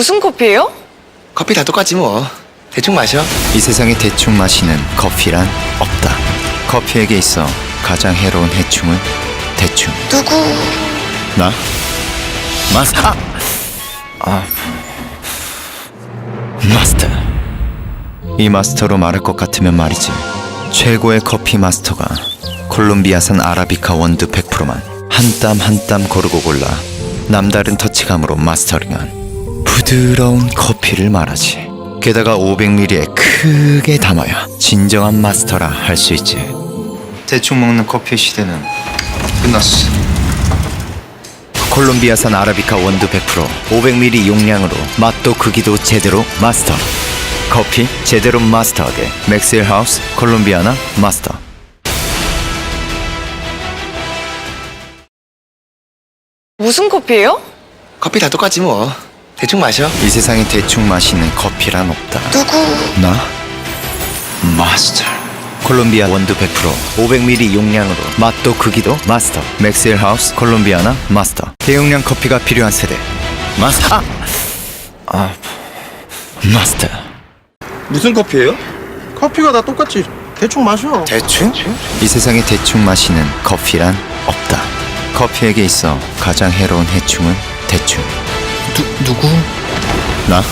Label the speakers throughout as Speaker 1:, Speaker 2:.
Speaker 1: 무슨 커피예요?
Speaker 2: 커피 다 똑같지 뭐. 대충 마셔.
Speaker 3: 이 세상에 대충 마시는 커피란 없다. 커피에게 있어 가장 해로운 해충은 대충.
Speaker 1: 누구?
Speaker 3: 나? 마스터. 마스터. 이 마스터로 말할 것 같으면 말이지. 최고의 커피 마스터가 콜롬비아산 아라비카 원두 100%만 한 땀 한 땀 고르고 골라 남다른 터치감으로 마스터링한 부드러운 커피를 말하지. 게다가 500ml에 크게 담아야 진정한 마스터라 할 수 있지. 대충 먹는 커피 시대는 끝났어. 콜롬비아산 아라비카 원두 100% 500ml 용량으로 맛도 크기도 제대로 마스터. 커피 제대로 마스터하게 맥스웰 하우스 콜롬비아나 마스터.
Speaker 1: 무슨 커피예요?
Speaker 2: 커피 다 똑같지 뭐. 대충 마셔.
Speaker 3: 이 세상에 대충 마시는 커피란 없다.
Speaker 1: 누구?
Speaker 3: 나? 마스터. 콜롬비아 원두 100% 500ml 용량으로 맛도 크기도 마스터. 맥스웰 하우스 콜롬비아나 마스터. 대용량 커피가 필요한 세대 마스터. 마스터.
Speaker 4: 무슨 커피예요? 커피가 다 똑같지. 대충 마셔.
Speaker 3: 대충? 이 세상에 대충 마시는 커피란 없다. 커피에게 있어 가장 해로운 해충은 대충.
Speaker 4: 누구?
Speaker 3: 나?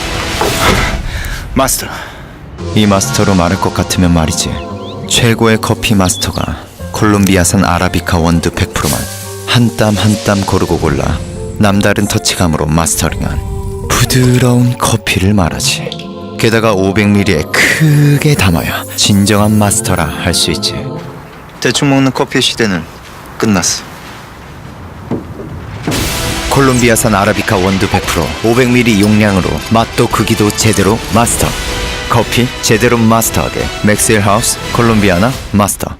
Speaker 3: 마스터. 이 마스터로 말할 것 같으면 말이지. 최고의 커피 마스터가 콜롬비아산 아라비카 원두 100%만 한 땀 한 땀 고르고 골라 남다른 터치감으로 마스터링한 부드러운 커피를 말하지. 게다가 500ml에 크게 담아야 진정한 마스터라 할 수 있지. 대충 먹는 커피 시대는 끝났어. 콜롬비아산 아라비카 원두 100% 500ml 용량으로 맛도 크기도 제대로 마스터. 커피 제대로 마스터하게 맥스웰 하우스 콜롬비아나 마스터.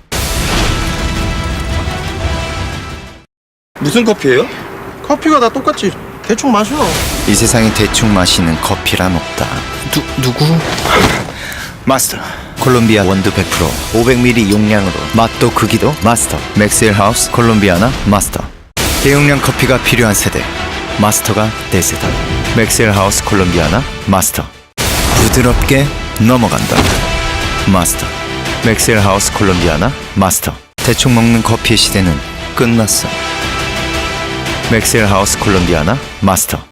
Speaker 4: 무슨 커피예요? 커피가 다 똑같지. 대충 마셔.
Speaker 3: 이 세상에 대충 마시는 커피란 없다.
Speaker 4: 누구?
Speaker 3: 마스터. 콜롬비아 원두 100% 500ml 용량으로 맛도 크기도 마스터. 맥스웰 하우스 콜롬비아나 마스터. 대용량 커피가 필요한 세대 마스터가 대세다. 맥스웰 하우스 콜롬비아나 마스터. 부드럽게 넘어간다. 마스터. 맥스웰 하우스 콜롬비아나 마스터. 대충 먹는 커피의 시대는 끝났어. 맥스웰 하우스 콜롬비아나 마스터.